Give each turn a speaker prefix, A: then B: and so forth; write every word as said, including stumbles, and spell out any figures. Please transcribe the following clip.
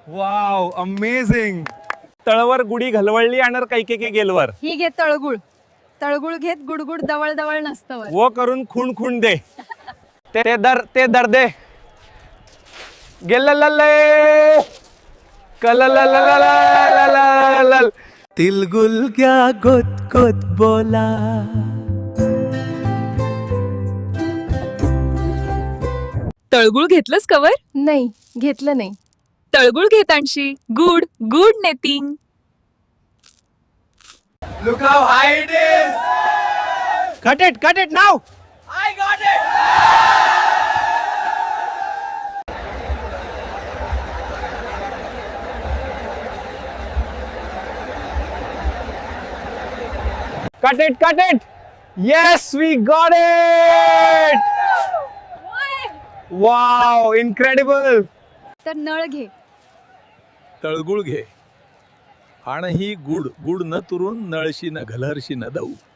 A: Wow amazing. तळवर गुढी घालवळली आणि कैके के गेलवर.
B: ही घे तळगुळ. तळगुळ घेत गुडगुड दवळ दवळ नसतं.
A: वो करून खून खून दे. ते दर ते दर दे. गेल्लल्लल्ले कललललललललल.
C: तिलगुल क्या गोत गोत बोला.
D: तळगुळ घेतलंस कवर?
B: नाही घेतलं नाही.
D: तळगुळ घेतांशी गुड गुड नेटिंग.
A: Look how high it is. Cut it, cut it now. I got it. Cut it, cut it. Yes, we got it. Wow, incredible.
B: तर नळ घे.
C: तळगुळ घे आणि ही गुड गुड न तुरून नळशी न घलरशी न दऊ.